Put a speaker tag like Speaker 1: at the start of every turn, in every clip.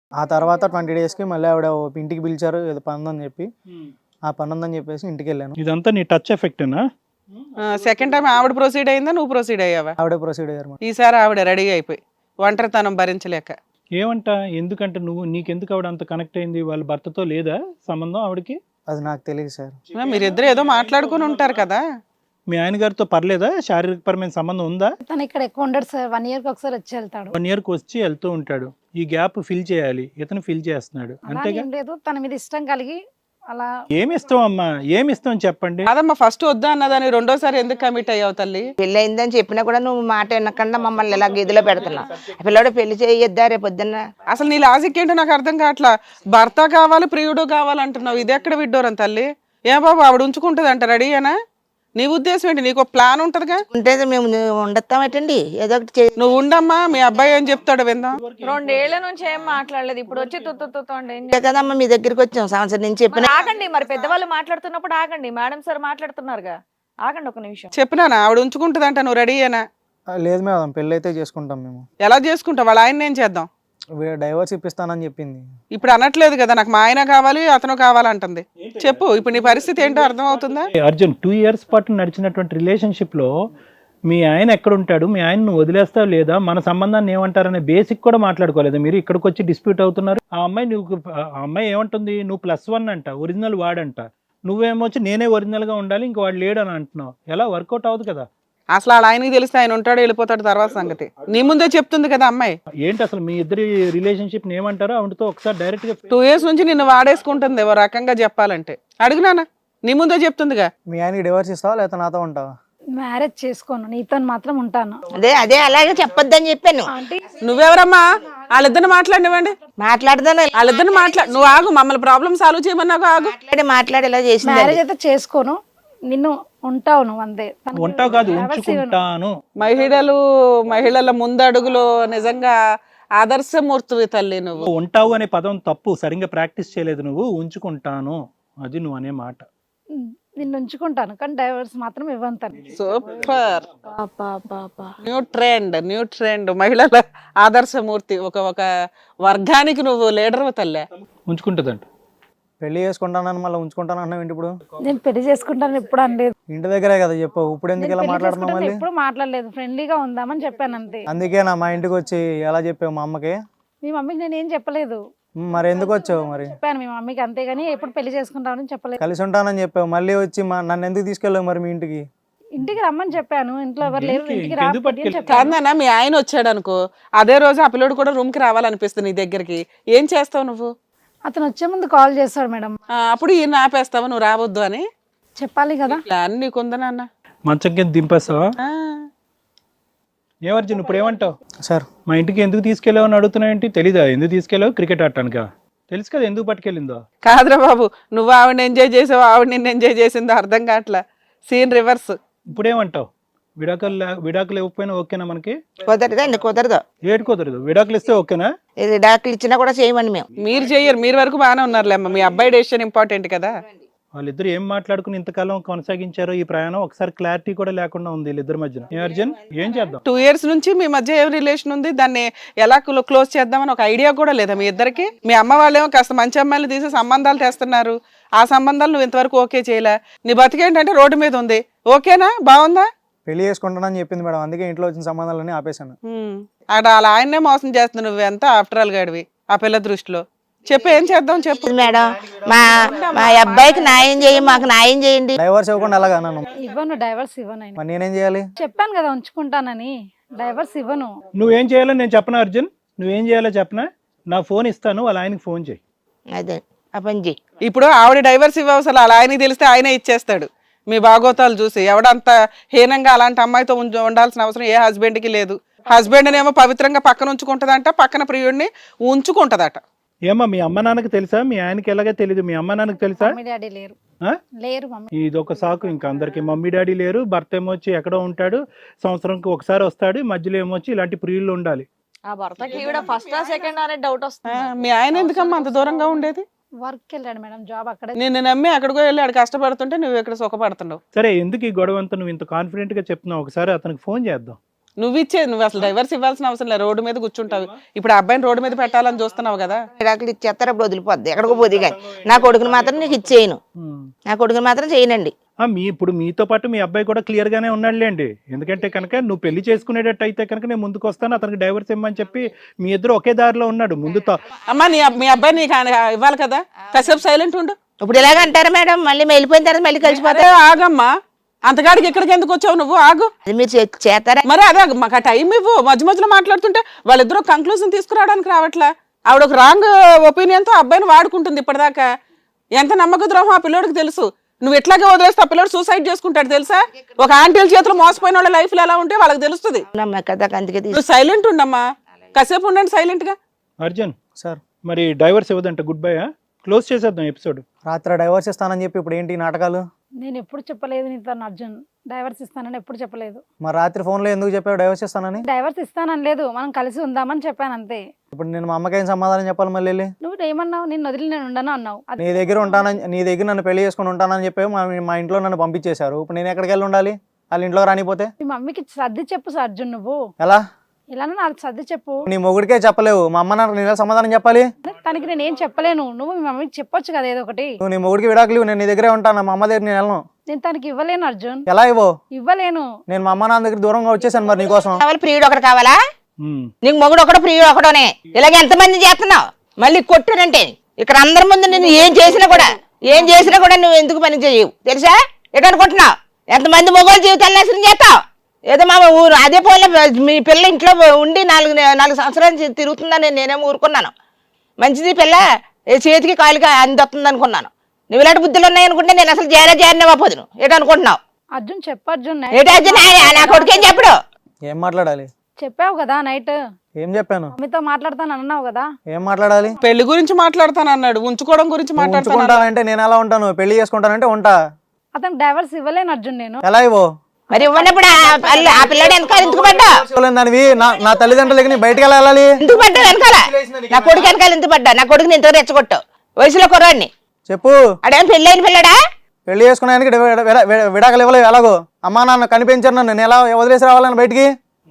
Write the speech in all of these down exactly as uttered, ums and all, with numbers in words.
Speaker 1: ఆ తర్వాత ట్వంటీ డేస్కి మళ్ళీ ఆవిడ ఓ ఇంటికి పిలిచారు ఏదో పని ఉందని చెప్పి ఆ పని ఉందని చెప్పేసి ఇంటికి వెళ్ళాను.
Speaker 2: ఇదంతా నీ టచ్ ఎఫెక్టేనా?
Speaker 3: సెకండ్ టైం ఆవిడ ప్రొసీడ్ అయిందా నువ్వు ప్రొసీడ్ అయ్యావా?
Speaker 1: ఆవిడే ప్రొసీడ్ అయ్యారు మేడం.
Speaker 3: ఈసారి ఆవిడ రెడీ అయిపోయి ఒంటరితనం భరించలేక.
Speaker 2: ఏమంట? ఎందుకంటే నువ్వు నీకెందుకు ఆవిడ అంత కనెక్ట్ అయింది? వాళ్ళ భర్తతో లేదా సంబంధం ఆవిడకి?
Speaker 1: అది నాకు తెలియదు సార్.
Speaker 3: మీరిద్దరు ఏదో మాట్లాడుకుని ఉంటారు కదా.
Speaker 2: మీ ఆయన గారితో పర్లేదా? శారీరకపరమైన సంబంధం ఉందా?
Speaker 4: తను ఇక్కడ ఎక్కువ ఉండడు సార్, వన్ ఇయర్ కి ఒకసారి వచ్చి వెళ్తాడు.
Speaker 2: వన్ ఇయర్ కి వచ్చి వెళ్తూ ఉంటాడు. ఈ గ్యాప్ ఫిల్ చేయాలి, ఇతను ఫిల్ చేస్తున్నాడు
Speaker 4: అలా
Speaker 2: అంతేగా?
Speaker 4: ఏం లేదు, తన మీద ఇష్టం కలిగి అలా.
Speaker 2: ఏమి ఇస్తాం అమ్మా, ఏమి ఇస్తాం చెప్పండి.
Speaker 3: అదమ్మా ఫస్ట్ వద్దా అన్నదాన్ని రెండోసారి ఎందుకు కమిట్ అయ్యావు తల్లి?
Speaker 5: పెళ్ళి అయిందని చెప్పినా కూడా నువ్వు మాట వినకుండా మమ్మల్ని ఇలా గదిలో పెడుతున్నావు. పిల్లడు పెళ్లి చేయొద్దా రేపు పొద్దున్న?
Speaker 3: అసలు నీ లాజిక్ ఏంటో నాకు అర్థం కావట్లా. భర్త కావాలి ప్రియుడు కావాలంటున్నావు, ఇది ఎక్కడ విడ్డోరం తల్లి? ఏ బాబు ఆవిడ ఉంచుకుంటుంది అంట రెడీ అనా? నీ ఉద్దేశం ఏంటి? నీకు ప్లాన్ ఉంటదిగా.
Speaker 5: ఉంటే మేము ఉండొస్తామేటండి, ఏదో ఒకటి చే-
Speaker 3: నువ్వు ఉండమ్మా, మీ అబ్బాయి ఏం చెప్తాడో విందాం.
Speaker 6: రెండేళ్ల నుంచి ఏం మాట్లాడలేదు, ఇప్పుడు వచ్చి తుత్తు తుత్తు అంటే ఏం
Speaker 5: అంతే కదమ్మా, మీ దగ్గరికి వచ్చాం సంవత్సరం నుంచి చెప్పిన.
Speaker 6: చేయాలి? ఆగండి, మరి పెద్దవాళ్ళు మాట్లాడుతున్నప్పుడు ఆగండి. మేడం సార్ మాట్లాడుతున్నారుగా, ఆగండి ఒక నిమిషం.
Speaker 3: చెప్పినానా ఆవిడ ఉంచుకుంటుందంట, నువ్వు రెడీ అయినా?
Speaker 1: ఆ, లేదు మేడం, పెళ్ళి అయితే చేసుకుంటాం మేము.
Speaker 3: ఎలా చేసుకుంటావు? వాళ్ళ ఆయన ఏం చేద్దాం?
Speaker 1: డైవర్స్ ఇప్పిస్తానని చెప్పింది.
Speaker 3: ఇప్పుడు అనట్లేదు కదా నాకు మా ఆయన కావాలి అతను కావాలంటుంది. చెప్పు ఇప్పుడు నీ పరిస్థితి ఏంటో అర్థం అవుతుందా?
Speaker 2: ఏ అర్జున్, టూ ఇయర్స్ పాటు నడిచినటువంటి రిలేషన్షిప్ లో మీ ఆయన ఎక్కడ ఉంటాడు, మీ ఆయన నువ్వు వదిలేస్తావు లేదా, మన సంబంధాన్ని ఏమంటారనే బేసిక్ కూడా మాట్లాడుకోలేదు మీరు. ఇక్కడికి వచ్చి డిస్ప్యూట్ అవుతున్నారు. ఆ అమ్మాయి నువ్వు ఆ అమ్మాయి ఏమంటుంది, నువ్వు ప్లస్ వన్ అంట, ఒరిజినల్ వాడంట, నువ్వేమొచ్చి నేనే ఒరిజినల్ గా ఉండాలి, ఇంక వాడు లేడు అని అంటున్నావు. ఎలా వర్కౌట్ అవ్వదు కదా.
Speaker 3: అసలు వాళ్ళ ఆయనకి తెలిస్తే ఆయన ఉంటాడు వెళ్ళిపోతాడు తర్వాత సంగతి. నీ ముందే చెప్తుంది కదా అమ్మాయి.
Speaker 2: ఏంటి అసలు మీ ఇద్దరి రిలేషన్షిప్ ఏమంటారో ఆవిడతో ఒకసారి డైరెక్ట్ గా.
Speaker 3: టూ ఇయర్స్ నుంచి నిన్ను వాడేసుకుంటుంది ఓ రకంగా చెప్పాలంటే. అడుగునానా, నీ ముందే చెప్తుందిగా.
Speaker 1: మీ ఆయనకి డివోర్స్ ఇస్తావా లేకపోతే నాతో ఉంటావా?
Speaker 4: మ్యారేజ్ చేసుకోను, నీతో మాత్రం ఉంటాను.
Speaker 5: అదే అదే అలాగే చెప్పొద్దని చెప్పాను.
Speaker 4: ఆంటీ
Speaker 3: నువ్వెవరమ్మా? వాళ్ళిద్దరిని మాట్లాడినివ్వండి.
Speaker 5: మాట్లాడదాను
Speaker 3: వాళ్ళిద్దరిని మాట్లా నువ్వు ఆగు, మమ్మల్ని ప్రాబ్లం సాల్వ్ చేయమన్నావు ఆగు.
Speaker 5: మాట్లాడి మాట్లాడి ఇలా చేసింది.
Speaker 4: మ్యారేజ్ అయితే చేసుకోను, నిన్ను ఉంటావు నువ్వు అంతే. తనకు
Speaker 2: ఉంటావు కాదు,
Speaker 4: divorce ఇవ్వను.
Speaker 2: ఉంచుకుంటాను.
Speaker 3: మహిళలు మహిళల ముందడుగులో నిజంగా ఆదర్శమూర్తివి తల్లి నువ్వు.
Speaker 2: ఉంటావు అనే పదం తప్పు, సరిగ్గా ప్రాక్టీస్ చేయలేదు నువ్వు. ఉంచుకుంటాను అది నువ్వు అనే మాట.
Speaker 4: ఉమ్, నిన్ను ఉంచుకుంటాను కానీ డైవర్స్ మాత్రం ఇవ్వను తను.
Speaker 3: Super, new trend new trend మహిళల ఆదర్శమూర్తి. ఒక ఒక వర్గానికి నువ్వు లీడర్ తల్లే.
Speaker 2: ఉంచుకుంటుందంట.
Speaker 1: పెళ్లి చేసుకుంటానని మళ్ళీ ఉంచుకుంటాను అన్నావు ఏంటి ఇప్పుడు?
Speaker 4: నేను పెళ్లి చేసుకుంటాను ఎప్పుడు అనలేదు.
Speaker 1: ఇంటి దగ్గరే కదా చెప్పు, ఇప్పుడు ఎందుకు
Speaker 4: నేను
Speaker 1: ఇలా
Speaker 4: పెళ్లి
Speaker 1: మాట్లాడుతున్నావు
Speaker 4: చేసుకుంటాను
Speaker 1: మళ్ళీ?
Speaker 4: ఎప్పుడు మాట్లాడలేదు, ఫ్రెండ్లీగా ఉందామని చెప్పాను అంతే.
Speaker 1: అందుకే నా మా ఇంటికి వచ్చి ఎలా చెప్పావు మా అమ్మకి?
Speaker 4: మీ మమ్మీకి నేను ఏం చెప్పలేదు,
Speaker 1: ఉమ్, మరి ఎందుకు వచ్చావు మరి?
Speaker 4: చెప్పాను మీ మమ్మీకి అంతేగాని ఎప్పుడు పెళ్లి చేసుకుంటామని చెప్పలేదు.
Speaker 1: కలిసి ఉంటానని చెప్పావు, మళ్ళీ వచ్చి మా నన్ను ఎందుకు తీసుకెళ్ళావు మరి మీ ఇంటికి?
Speaker 4: ఇంటికి రమ్మని చెప్పాను, ఇంట్లో ఎవరు లేరు,
Speaker 2: ఏంటి?
Speaker 4: ఇంటికి
Speaker 2: ఇంకెందుకు
Speaker 4: రాకపోతే అని
Speaker 2: పట్టుకెళ్ళి-
Speaker 4: చెప్పాను.
Speaker 3: కాదన్నా మీ ఆయన వచ్చాడు అనుకో, అదే రోజు ఆ పిల్లడు కూడా రూమ్ కి రావాలనిపిస్తుంది నీ దగ్గరికి, ఏం చేస్తావు నువ్వు?
Speaker 4: అతను వచ్చే ముందు కాల్ చేస్తాడు మేడం,
Speaker 3: ఆ, అప్పుడు ఈయన ఆపేస్తావా నువ్వు రావద్దు అని?
Speaker 4: చెప్పాలి కదా.
Speaker 3: ప్లాన్ నీకుందనన్నా.
Speaker 2: మంచం కింద దింపేస్తావా? ఏమర్జున్ ఇప్పుడు ఏమంటావు?
Speaker 1: సార్
Speaker 2: మా ఇంటికి ఎందుకు తీసుకెళ్ళావు అని అడుగుతున్నావు ఏంటి? తెలీదా ఎందుకు తీసుకెళ్ళావు? క్రికెట్ ఆడటానికా? తెలుసు కదా ఎందుకు పట్టుకెళ్ళిందో.
Speaker 3: కాదురా బాబు, నువ్వు ఆవిడని ఎంజాయ్ చేసావు, ఆవిడ నిన్ను ఎంజాయ్ చేసిందో అర్థం కావట్లా. Scene reverse.
Speaker 2: ఇప్పుడు ఏమంటావు? విడాకులు లే- విడాకులు ఇవ్వకపోయినా ఓకేనా మనకి?
Speaker 5: కుదరదండి, కుదరదు.
Speaker 2: ఏడు కుదరదు. విడాకులు ఇస్తే ఓకేనా?
Speaker 5: ఇది డాక్టర్లు ఇచ్చినా కూడా చేయమని మేము.
Speaker 3: మీరు చెయ్యరు, మీరు వరకు బాగానే ఉన్నారులే అమ్మ. మీ అబ్బాయి డెసిషన్ ఇంపార్టెంట్ కదా.
Speaker 2: వాళ్ళిద్దరు ఏం మాట్లాడుకుని ఇంతకాలం కొనసాగించారో ఈ ప్రయాణం ఒకసారి క్లారిటీ కూడా లేకుండా ఉంది వీళ్ళిద్దరి మధ్యన. ఏ అర్జున్ ఏం చేద్దాం?
Speaker 3: టూ ఇయర్స్ నుంచి మీ మధ్య ఏం రిలేషన్ ఉంది, దాన్ని ఎలా క్లోజ్ చేద్దామని ఒక ఐడియా కూడా లేదా మీ ఇద్దరికి? మీ అమ్మ వాళ్ళేమో కాస్త మంచి అమ్మాయిలు తీసి సంబంధాలు తెస్తున్నారు, ఆ సంబంధాలు నువ్వు ఇంతవరకు ఓకే చేయలే. నీ బతికేంటంటే రోడ్డు మీద ఉంది. ఓకేనా? బాగుందా?
Speaker 1: పెళ్లి చేసుకుంటానని చెప్పింది మేడం, అందుకే ఇంట్లో వచ్చిన సంబంధాలన్నీ ఆపేశాను.
Speaker 3: ఉమ్. అక్కడ అలా ఆయన్నే మోసం చేస్తున్నావు నువ్వెంత ఆఫ్టర్ ఆల్ గాడివి ఆ పిల్ల దృష్టిలో. చెప్పు ఏం చేద్దాం చెప్పు.
Speaker 5: మేడం మా మా అబ్బాయికి న్యాయం చేయండి, మాకు న్యాయం చేయండి.
Speaker 1: డైవర్స్ ఇవ్వకుండా ఎలాగా నన్ను?
Speaker 4: ఇవ్వను, డైవర్స్ ఇవ్వను ఆయన.
Speaker 1: మరి నేనేం చేయాలి?
Speaker 4: చెప్పాను కదా ఉంచుకుంటానని, డైవర్స్ ఇవ్వను.
Speaker 2: నువ్వేం చేయాలో నేను చెప్పనా అర్జున్? నువ్వేం చేయాలో చెప్పనా? నా ఫోన్ ఇస్తాను, వాళ్ళ ఆయనకి ఫోన్ చేయి.
Speaker 5: అదే ఆ పని చేయి.
Speaker 3: ఇప్పుడు ఆవిడ డైవర్స్ ఇవ్వవసలు అలా ఆయనకి తెలిస్తే ఆయనే ఇచ్చేస్తాడు. మీ బాగోతాలు చూసి ఎవడంత హీనంగా అలాంటి అమ్మాయితో ఉంచ- ఉండాల్సిన అవసరం ఏ హస్బెండ్కి లేదు. హస్బెండ్ ఏమో పవిత్రంగా పక్కన ఉంచుకుంటదంట, పక్కన ప్రియుడిని ఉంచుకుంటదట.
Speaker 2: ఏమా మీ అమ్మ నాన్నకి తెలుసా? మీ ఆయనకి ఎలాగే తెలీదు, మీ అమ్మ నాన్నకి తెలుసా?
Speaker 4: మమ్మీ డాడీ లేరు.
Speaker 2: ఆ?
Speaker 4: లేరు మమ్మీ.
Speaker 2: ఇది ఒక సాకు ఇంకా అందరికి. మమ్మీ డాడీ లేరు, భర్త ఏమొచ్చి ఎక్కడో ఉంటాడు, సంవత్సరంకి ఒకసారి వస్తాడు, మధ్యలో ఏమొచ్చి ఇలాంటి ప్రియుళ్ళు ఉండాలి.
Speaker 6: ఆ భర్తకి ఈవిడ ఫస్ట్ సెకండ్ అనే డౌట్
Speaker 3: ఆ,
Speaker 6: వస్తుంది.
Speaker 3: మీ ఆయన ఎందుకమ్మా అంత దూరంగా ఉండేది?
Speaker 4: వర్క్ వెళ్ళాడు మేడం, జాబ్ అక్కడే.
Speaker 3: నిన్ను నమ్మి అక్కడికో వెళ్ళి ఆడు కష్టపడుతుంటే నువ్వు ఇక్కడ సుఖపడుతున్నావు.
Speaker 2: సరే ఎందుకు ఈ గొడవ అంతా నువ్వు ఇంత కాన్ఫిడెంట్ గా చెప్తున్నావు? ఒకసారి అతనికి ఫోన్ చేద్దాం.
Speaker 3: నువ్వు ఇచ్చే నువ్వు అసలు డైవర్స్ ఇవ్వాల్సిన అవసరం లేదు, రోడ్డు మీద కూర్చుంటావు. ఇప్పుడు ఆ అబ్బాయిని రోడ్డు మీద పెట్టాలని చూస్తున్నావు కదా.
Speaker 5: విడాకులు ఇచ్చేస్తారు అప్పుడు వదిలిపోద్ది, ఎక్కడికో పోదు. కానీ నా కొడుకుని మాత్రం నీకు ఇచ్చేయను, నా కొడుకుని మాత్రం చేయనండి.
Speaker 2: ఆ, మీ ఇప్పుడు మీతో పాటు మీ అబ్బాయి కూడా క్లియర్ గానే ఉన్నాడులేండి. ఎందుకంటే కనుక నువ్వు పెళ్లి చేసుకునేటట్టు అయితే కనుక నేను ముందుకు వస్తాను, అతనికి డైవర్స్ ఇవ్వమని చెప్పి మీ ఇద్దరు ఒకే దారిలో ఉన్నాడు ముందుతో.
Speaker 3: అమ్మా నీ అబ్- మీ అబ్బాయి నీకు ఆయన ఇవ్వాలి కదా, కాసేపు సైలెంట్ ఉండు.
Speaker 5: ఇప్పుడు ఇలాగ అంటారా మేడం? మళ్ళీ వెళ్ళిపోయిన తర్వాత మళ్ళీ కలిసిపోతే
Speaker 3: అదే ఆగమ్మా, అంతగాడికి ఇక్కడికి ఎందుకు వచ్చావు నువ్వు? ఆగు.
Speaker 5: అది మీరు చే- చేస్తారా?
Speaker 3: మరి అదే మాకు ఆ టైం ఇవ్వు. మధ్య మధ్యలో మాట్లాడుతుంటే వాళ్ళిద్దరూ కంక్లూజన్ తీసుకురావడానికి రావట్లా. ఆవిడ ఒక రాంగ్ ఒపీనియన్ తో అబ్బాయిని వాడుకుంటుంది ఇప్పటిదాకా. ఎంత నమ్మక ద్రోహం ఆ పిల్లోడికి తెలుసు. నువ్వు ఎట్లాగే వదిలేస్తే ఆ పిల్లోడు సూసైడ్ చేసుకుంటాడు తెలుసా. ఒక ఆంటీల చేతిలో మోసపోయిన వాళ్ళ లైఫ్ లో ఎలా ఉంటే వాళ్ళకి తెలుస్తుంది.
Speaker 5: నమ్మ కదా, అందుకే తీసు-
Speaker 3: నువ్వు సైలెంట్ ఉండమ్మా, కాసేపు ఉండండి సైలెంట్ గా.
Speaker 2: అర్జున్
Speaker 1: సార్
Speaker 2: మరి డైవర్స్ ఇవ్వదంట, గుడ్ బై, క్లోజ్ చేసేద్దాం ఎపిసోడ్.
Speaker 1: రాత్రి డైవర్స్ ఇస్తానని చెప్పి ఇప్పుడు ఏంటి ఈ నాటకాలు?
Speaker 4: నేను ఎప్పుడు చెప్పలేదు నీతో అర్జున్ డైవర్స్ ఇస్తానని, ఎప్పుడు చెప్పలేదు.
Speaker 1: మరి రాత్రి ఫోన్లో ఎందుకు చెప్పావు డైవర్స్ ఇస్తానని?
Speaker 4: డైవర్స్ ఇస్తానని లేదు, మనం కలిసి ఉందామని చెప్పాను అంతే.
Speaker 1: ఇప్పుడు నేను మా అమ్మకేం సమాధానం చెప్పాలి మళ్ళీ వెళ్ళి?
Speaker 4: నువ్వు ఏమన్నావు? నిన్ను వదిలి నేను ఉండను అన్నావు. అది
Speaker 1: నీ దగ్గర ఉంటానని, నీ దగ్గర నన్ను పెళ్లి చేసుకుని ఉంటానని చెప్పి మా మా ఇంట్లో నన్ను పంపించేశారు. ఇప్పుడు నేను ఎక్కడికి వెళ్ళి ఉండాలి వాళ్ళ ఇంట్లో రానిపోతే?
Speaker 4: మీ మమ్మీకి సర్ది చెప్పు అర్జున్, నువ్వు
Speaker 1: ఎలా?
Speaker 4: ఇలానే నాకు సర్ది చెప్పు.
Speaker 1: నీ మొగుడికే చెప్పలేవు, మా అమ్మ నాకు నేను సమాధానం చెప్పాలి?
Speaker 4: తనకి నేను ఏం చెప్పలేను, నువ్వు మీ మమ్మీకి చెప్పొచ్చు కదా ఏదో ఒకటి.
Speaker 1: నువ్వు నీ మొగుడికి విడాకులు, నేను నీ దగ్గరే ఉంటాను, మా అమ్మ దగ్గర నేను వెళ్ళను.
Speaker 4: నేను తనకి ఇవ్వలేను అర్జున్,
Speaker 1: ఎలా ఇవ్వో?
Speaker 4: ఇవ్వలేను.
Speaker 1: నేను మా అమ్మ నాన్న దగ్గర దూరంగా వచ్చేసాను మరి నీకోసం.
Speaker 5: కావాలి ప్రియుడు ఒకటి కావాలా? నీకు మొగుడు ఒకడు ప్రియుడు ఒకటోనే. ఇలాగ ఎంతమంది చేస్తున్నావు? మళ్ళీ కొట్టానంటే ఇక్కడ అందరి ముందు నేను ఏం చేసినా కూడా ఏం చేసినా కూడా నువ్వు ఎందుకు పని చేయవు తెలుసా? ఎటు అనుకుంటున్నావు? ఎంతమంది మొగోళ్ళ జీవితాలు నాశనం చేస్తావు? ఏదో మా ఊరు అదే పోలే మీ పిల్ల ఇంట్లో ఉండి నాలుగు నాలుగు సంవత్సరాలు తిరుగుతుందని నేనేమో ఊరుకున్నాను. మంచిది పిల్ల ఏ చేతికి కాలుగా అందొస్తుంది అనుకున్నాను. నువ్వు ఇలాంటి బుద్ధులు ఉన్నాయనుకుంటే నేను అసలు చేరే చేరిన పోదును. ఏటు అనుకుంటున్నావు?
Speaker 4: అర్జున్ చెప్పు అర్జున్,
Speaker 5: ఏటో అర్జున్ నా కొడుకేం చెప్పడు.
Speaker 1: ఏం మాట్లాడాలి?
Speaker 4: చెప్పావు కదా నైట్
Speaker 1: ఏం చెప్పాను?
Speaker 4: మమ్మీతో మాట్లాడతాను అన్నావు కదా.
Speaker 1: ఏం మాట్లాడాలి?
Speaker 3: పెళ్లి గురించి మాట్లాడతాను అన్నాడు, ఉంచుకోవడం గురించి మాట్లాడతాను.
Speaker 1: ఉంచుకుంటానంటే నేను ఎలా ఉంటాను? పెళ్లి చేసుకుంటానంటే ఉంటా.
Speaker 4: అతను డైవర్స్ ఇవ్వలేను అర్జున్ నేను.
Speaker 1: ఎలా ఇవ్వో?
Speaker 5: మరి ఇవ్వనప్పుడు ఆ పిల్లడు వెనకాల ఎందుకు పడ్డా?
Speaker 1: దానివి నా నా తల్లిదండ్రులకి నీ బయటకు ఎలా వెళ్ళాలి?
Speaker 5: ఎందుకు పడ్డా వెనకాల? నా కొడుకు వెనకాల ఎందుకు పడ్డా? నా కొడుకుని ఎంతో రెచ్చగొట్టావు వయసులో కుర్రాడిని.
Speaker 1: చెప్పు.
Speaker 5: అడేం పెళ్ళి అయిన పిల్లడా?
Speaker 1: పెళ్లి చేసుకున్నానికి విడాకులు ఇవ్వలేవు ఎలాగో? అమ్మా నాన్న కనిపించారు నన్ను, నేను ఎలా వదిలేసి రావాలని బయటికి?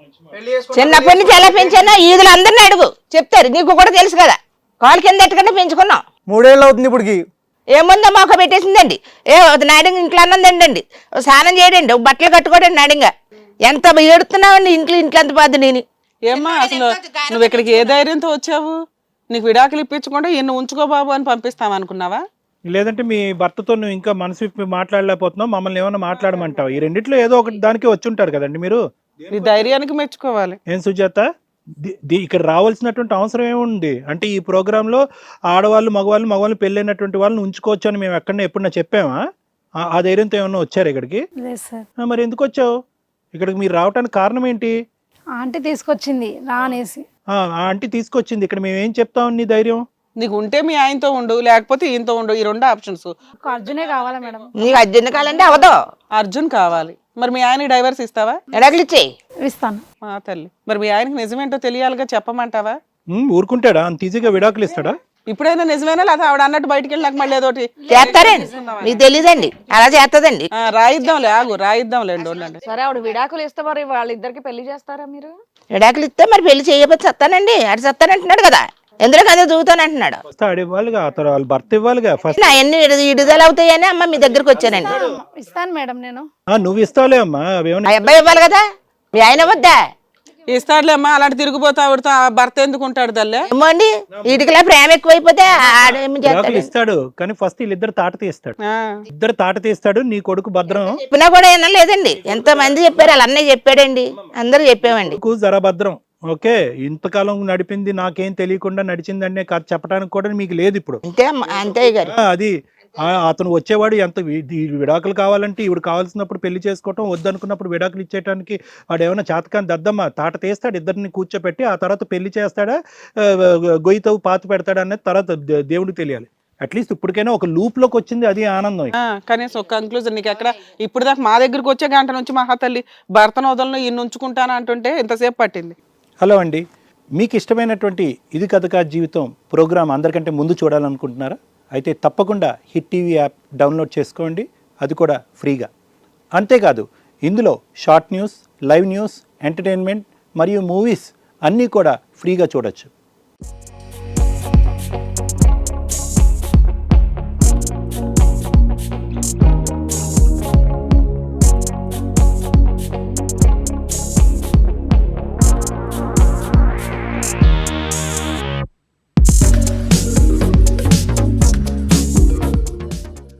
Speaker 5: చిన్నప్పటి నుంచి ఎలా పెంచానో ఈదులు అందరిని అడుగు, చెప్తారు. నీకు కూడా తెలుసు కదా, కాలు కింద ఎట్టుకుంటే పెంచుకున్నాం.
Speaker 1: మూడేళ్ళు అవుతుంది ఇప్పటికి.
Speaker 5: ఏముందో మాకు పెట్టేసిందండి. ఏ నాడింగ్ ఇంట్లో అన్నం తిండి, స్నానం చేయడండి, బట్టలు కట్టుకోడండి నాడింగా. ఎంత ఏడుతున్నావండి ఇంట్లో ఇంట్లో అంత బాధ. నేను
Speaker 3: ఏమ్మా అసలు నువ్వు ఇక్కడికి ఏ ధైర్యంతో వచ్చావు? నీకు విడాకులు ఇప్పించకుండా ఈయన ఉంచుకో బాబు అని పంపిస్తామనుకున్నావా?
Speaker 2: లేదంటే మీ భర్తతో నువ్వు ఇంకా మనసు విప్పి మాట్లాడలేకపోతున్నావు, మమ్మల్ని ఏమైనా మాట్లాడమంటావు? ఈ రెండిట్లో ఏదో ఒకటి దానికి వచ్చి ఉంటారు కదండి మీరు.
Speaker 3: నీ ధైర్యానికి మెచ్చుకోవాలి.
Speaker 2: ఏం సుజాత, ది- ది- ఇక్కడ రావాల్సినటువంటి అవసరం ఏముంది? అంటే ఈ ప్రోగ్రాంలో ఆడవాళ్ళు మగవాళ్ళు మగవాళ్ళు పెళ్ళైనటువంటి వాళ్ళని ఉంచుకోవచ్చు అని మేము ఎక్కడన్నా ఎప్పుడన్నా చెప్పామా? ఆ- ఆ ధైర్యంతో ఏమన్నా వచ్చారు ఇక్కడికి?
Speaker 4: లేదు సార్.
Speaker 2: ఆ, మరి ఎందుకు వచ్చావు ఇక్కడికి? మీరు రావడానికి కారణం ఏంటి?
Speaker 4: ఆంటీ తీసుకొచ్చింది రా అనేసి.
Speaker 2: ఆ ఆ ఆంటీ తీసుకొచ్చింది. ఇక్కడ మేము ఏం చెప్తాం? నీ ధైర్యం
Speaker 3: నీకు ఉంటే మీ ఆయనతో ఉండు, లేకపోతే ఈయనతో ఉండు. ఈ రెండు ఆప్షన్స్.
Speaker 4: ఒక అర్జునే కావాలా మేడం?
Speaker 5: నీకు అర్జున్ కాలంటే అవదో.
Speaker 3: అర్జున్ కావాలి. మరి మీ ఆయనకి డైవర్స్ ఇస్తావా?
Speaker 5: ఎడాకులు ఇచ్చేయి.
Speaker 4: ఇస్తాను.
Speaker 3: మా తల్లి, మరి మీ ఆయనకి నిజమేంటో తెలియాలిగా, చెప్పమంటావా?
Speaker 2: ఉమ్, ఊరుకుంటాడా? అంత ఈజీగా విడాకులు ఇస్తాడా?
Speaker 3: ఇప్పుడైనా నిజమేనా లేదా ఆవిడ అన్నట్టు బయటికి వెళ్ళి నాకు మళ్ళీ ఏదోటి
Speaker 5: చేస్తారండి, మీకు తెలీదండి, అలా చేస్తుందండి.
Speaker 3: ఆ, రాయిద్దాంలే, ఆగు రాయిద్దాంలేండి, ఉండండి.
Speaker 6: సరే ఆవిడ విడాకులు ఇస్తే మరి వాళ్ళిద్దరికి పెళ్లి చేస్తారా మీరు?
Speaker 5: ఎడాకులు ఇస్తే మరి పెళ్లి చేయకపోతే సత్తానండి. అటు సత్తానంటున్నాడు కదా, ఎందులో కదా దూతానంటున్నాడు.
Speaker 2: ఫస్ట్ ఆడ ఇవ్వాలిగా, ఆ తర్వాత వాళ్ళ భర్త ఇవ్వాలిగా ఫస్ట్.
Speaker 5: నా ఎన్ని ఇడుదల అవుతాయని అమ్మ మీ దగ్గరకు వచ్చానండి.
Speaker 4: ఇస్తాను మేడం నేను.
Speaker 2: ఆ, నువ్వు ఇస్తావులే అమ్మా, అవేమన్నా
Speaker 5: ఆ అబ్బాయి ఇవ్వాలి కదా, మీ ఆయన వద్దా?
Speaker 3: ఇస్తాడులే అమ్మా, అలాంటి తిరిగిపోతా ఆవిడతో ఆ భర్త ఎందుకు ఉంటాడు తల్లే?
Speaker 5: ఏమో అండి, వీటికిలా ప్రేమ ఎక్కువైపోతే ఆడేమి
Speaker 2: విడాకులు
Speaker 5: చేస్తాడు.
Speaker 2: ఇస్తాడు కానీ ఫస్ట్ వీళ్ళిద్దరు తాట తీస్తాడు.
Speaker 3: ఆ,
Speaker 2: ఇద్దరు తాట తీస్తాడు. నీ కొడుకు భద్రం,
Speaker 5: చెప్పినా కూడా ఏమన్నా లేదండి. ఎంతో మంది చెప్పారు, వాళ్ళ అన్నయ్య చెప్పాడండి, అందరూ చెప్పామండి.
Speaker 2: కొడుకు జర భద్రం. ఓకే, ఇంతకాలం నడిపింది నాకేం తెలియకుండా నడిచిందనే కథ చెప్పడానికి కూడా మీకు లేదు ఇప్పుడు.
Speaker 5: అంతే అమ్మ, అంతే గారు.
Speaker 2: ఆ, అది ఆ, అతను వచ్చేవాడు ఎంత వి- ఈ విడాకులు కావాలంటే ఈవిడ కావాల్సినప్పుడు పెళ్లి చేసుకోవటం, వద్దనుకున్నప్పుడు విడాకులు ఇచ్చేయడానికి వాడు ఏమైనా చాతకాన్ని దద్దమ్మ తాట తీస్తాడు. ఇద్దరిని కూర్చోపెట్టి ఆ తర్వాత పెళ్లి చేస్తాడా, ఆ, గొయ్యితో పాతి పెడతాడా అనేది తర్వాత దే- దేవుడికి తెలియాలి. అట్లీస్ట్ ఇప్పటికైనా ఒక లూప్ లోకి వచ్చింది, అది ఆనందం.
Speaker 3: ఆ, కనీసం ఒక కంక్లూజన్. నీకు ఎక్కడ ఇప్పుడు దాకా మా దగ్గరికి వచ్చే గంట నుంచి మహాతల్లి భర్తను వదలను ఈయన ఉంచుకుంటాను అంటుంటే ఇంతసేపు పట్టింది.
Speaker 2: హలో అండి, మీకు ఇష్టమైనటువంటి ఇది కథ కాదు జీవితం ప్రోగ్రాం అందరికంటే ముందు చూడాలనుకుంటున్నారా? అయితే తప్పకుండా హిట్ టీవీ యాప్ డౌన్లోడ్ చేసుకోండి, అది కూడా ఫ్రీగా. అంతేకాదు ఇందులో short news, live news, entertainment మరియు మూవీస్ అన్నీ కూడా ఫ్రీగా చూడొచ్చు.